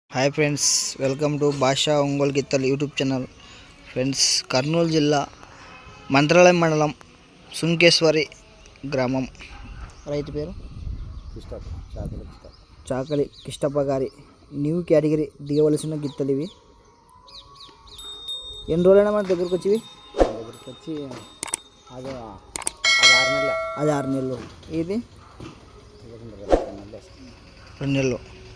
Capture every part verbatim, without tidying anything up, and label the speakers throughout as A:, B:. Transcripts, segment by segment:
A: Hi friends, welcome to భాషా ఒంగోలు గిత్తలు YouTube channel. Friends, Kurnool జిల్లా మంత్రాలయం మండలం సుంకేశ్వరి గ్రామం. రైతు పేరు చాకలి కిష్టప్ప గారి న్యూ కేటగిరీ దిగవలసిన గిత్తలు ఇవి. ఎన్ని రోజులైనా మన దగ్గరకు వచ్చి
B: దగ్గరికి వచ్చి అది అది ఆరు నెలలు
A: అది ఆరు నెలలు ఇది రెండు నెలలు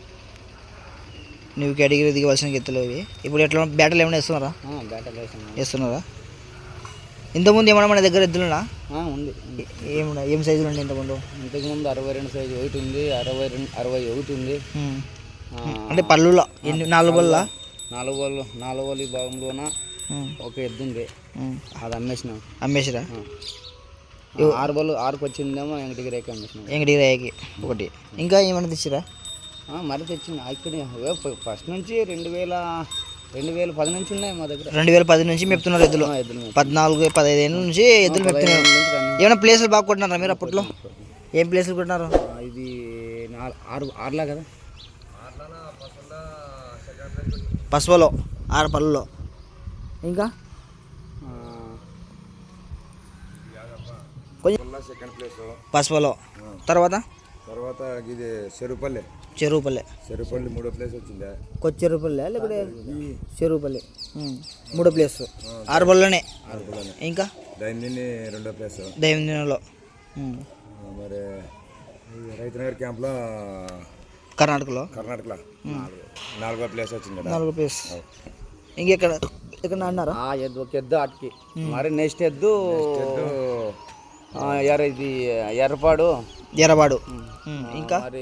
A: న్యూ కేటగిరీ దిగవలసిన గిత్తలు ఇవి. ఇప్పుడు ఎట్లా బ్యాటలు ఏమైనా వేస్తున్నారా?
B: బ్యాటలు
A: వేస్తున్నారా? ఇంతకుముందు ఏమన్నా మన దగ్గర ఎద్దులున్నా
B: ఉంది.
A: ఏమన్నా ఏం సైజులు ఉండే ఇంతకుముందు?
B: ఇంతకుముందు అరవై రెండు సైజు ఒకటి ఉంది, అరవై రెండు అరవై ఒకటి ఉంది.
A: అంటే పళ్ళులో ఎన్ని? నాలుగు బల్ల
B: నాలుగు బళ్ళు నాలుగు బళ్ళు భాగంలోన ఒక ఎద్దు ఉంది, అది అమ్మేసినాం.
A: అమ్మేసిరా?
B: ఆరు బళ్ళు ఆరుకు వచ్చిందేమో వెంకటగిరికి అమ్మేసినాం.
A: వెంకటగిరికి ఒకటి. ఇంకా ఏమైనా తెచ్చిరా?
B: మరి తెచ్చింది ఇక్కడ ఫస్ట్ నుంచి రెండు వేల రెండు వేల పది నుంచి ఉన్నాయి మా దగ్గర.
A: రెండు వేల పది నుంచి మెప్తున్నారు ఎద్దులు. పద్నాలుగు పదహైదు ఏళ్ళ నుంచి ఎద్దులు మెప్తున్నారు. ఏమైనా ప్లేసులు బాగా కొట్టినారా మీరు అప్పట్లో? ఏం ప్లేసులు కొట్టినారు?
B: ఇది ఆరు ఆరులా కదా,
A: పసుపులో ఆరు పళ్ళులో. ఇంకా పసుపులో తర్వాత
C: తర్వాత ఇది చెరుపల్లె
A: చెరువుపల్లె
C: చెరుపల్లి మూడో ప్లేస్ వచ్చిందా?
A: కొత్త చెరువుపల్లె లేకపోతే చెరువుపల్లి మూడో ప్లేస్ ఆరు బళ్ళలోనే. ఇంకా
C: దైనందిని రెండో ప్లేస్
A: దైనందినంలో.
C: మరి రైతునగర్ క్యాంప్లో
A: కర్ణాటకలో
C: కర్ణాటకలో నాలుగో ప్లేస్ వచ్చింది.
A: నాలుగో ప్లేస్. ఇంకెక్కడ ఎక్కడ అన్నారా?
B: ఎద్దు ఒక ఎద్దు ఆటకి. మరి నెక్స్ట్ ఎద్దు ఎర్ర ఇది ఎర్రపాడు
A: ఎర్రపాడు. ఇంకా
B: మరి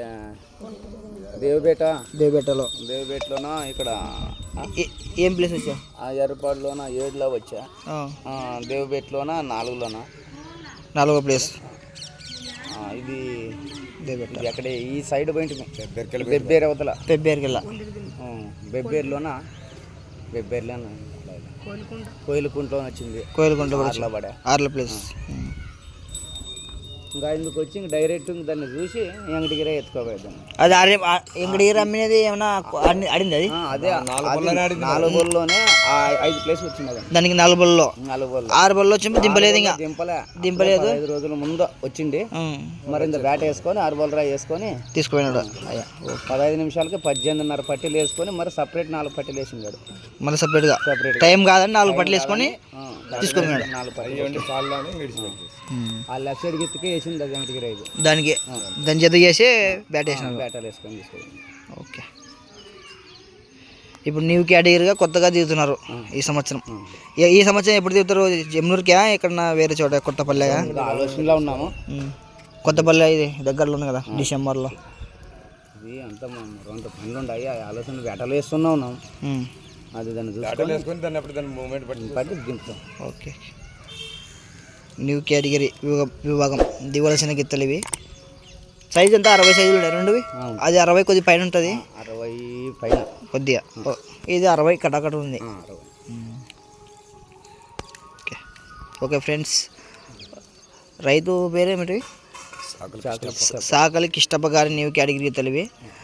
B: దేవబేట
A: దేవబేటలో
B: దేవబేటలోన ఇక్కడ
A: ఏం ప్లేస్ వచ్చా?
B: ఆ ఎర్రపాడులోన ఏడులో వచ్చా, దేవబేటలోన నాలుగులోన
A: నాలుగో ప్లేస్.
B: ఇది
A: దేవబేట
B: అక్కడ ఈ సైడ్ పోయింది బెబ్బేరు అవతల
A: బెబ్బేరుకెళ్ళ
B: బెబ్బేరులోన బెబ్బేరులోన కోయిలకుంటలో వచ్చింది.
A: కోయిలకుంట
B: ఆర్ల పడా
A: ఆర్ల ప్లేస్.
B: ఇంకా ఇందుకు వచ్చి ఇంక డైరెక్ట్ దాన్ని చూసి వెంకటగిరి ఎత్తుకోబోయేదాన్ని.
A: అది వెంకటగిరి అమ్మినది ఏమన్నా ఆడింది? అది
B: అదే నాలుగు బోల్లోనే ఐదు ప్లేస్ వచ్చింది. అది
A: దానికి నాలుగు బొల్లో
B: నాలుగు బోల్
A: ఆరు బొల్లో వచ్చి దింపలేదు. ఇంకా
B: దింపలే
A: దింపలేదు.
B: ఐదు రోజుల ముందు వచ్చింది. మరి ఇంత బ్యాట్ వేసుకొని ఆరు బోల్ రా వేసుకొని
A: తీసుకుపోయినాడు.
B: పదహైదు నిమిషాలకి పద్దెనిమిదిన్నర పట్టీలు వేసుకొని మరి సపరేట్ నాలుగు పట్టీలు వేసిందాడు.
A: మళ్ళీ సపరేట్గా
B: సపరేట్
A: టైం కాదని నాలుగు పట్టీలు వేసుకొని తీసుకుపోయినాడు.
B: నాలుగు పట్టీలు ఆ లెఫ్ట్ సైడ్ గిత్తుకే వేసింది అది వెంకటగిరి ఐదు.
A: దానికి దాని జత చేసి బ్యాట్ వేసినాడు.
B: బ్యాటాలు వేసుకొని తీసుకొని.
A: ఓకే. ఇప్పుడు న్యూ కేటగిరీగా కొత్తగా దిగుతున్నారు ఈ సంవత్సరం. ఈ సంవత్సరం ఎప్పుడు దిగుతారు? జమ్నూరుకా ఎక్కడన్నా వేరే చోట? కొత్తపల్లెగా
B: ఆలోచనలో ఉన్నాము.
A: కొత్తపల్లె ఇది దగ్గరలో ఉంది కదా, డిసెంబర్లో.
B: ఇది అంతా రెండు పనులు ఉన్నాయి. ఆలోచన వేటలు వేస్తున్నా ఉన్నాం. అది దాన్ని చూసుకొని
C: దాన్ని అప్పుడు దాన్ని మూమెంట్ పట్టి
B: పట్టి దింపుతాం.
A: ఓకే. న్యూ కేటగిరీ విభాగం దిగవలసిన గిత్తలు ఇవి. సైజ్ అంతా అరవై సైజులు ఉన్నాయి రెండువి. అది అరవై కొద్ది పైన ఉంటుంది,
B: అరవై పైన
A: కొద్దిగా. ఇది అరవై కటాకట ఉంది. ఓకే ఓకే ఫ్రెండ్స్, రైతు పేరేమిటి? సాకలి కిష్టప్ప గారి న్యూ కేటగిరీ గిత్తలు ఇవి.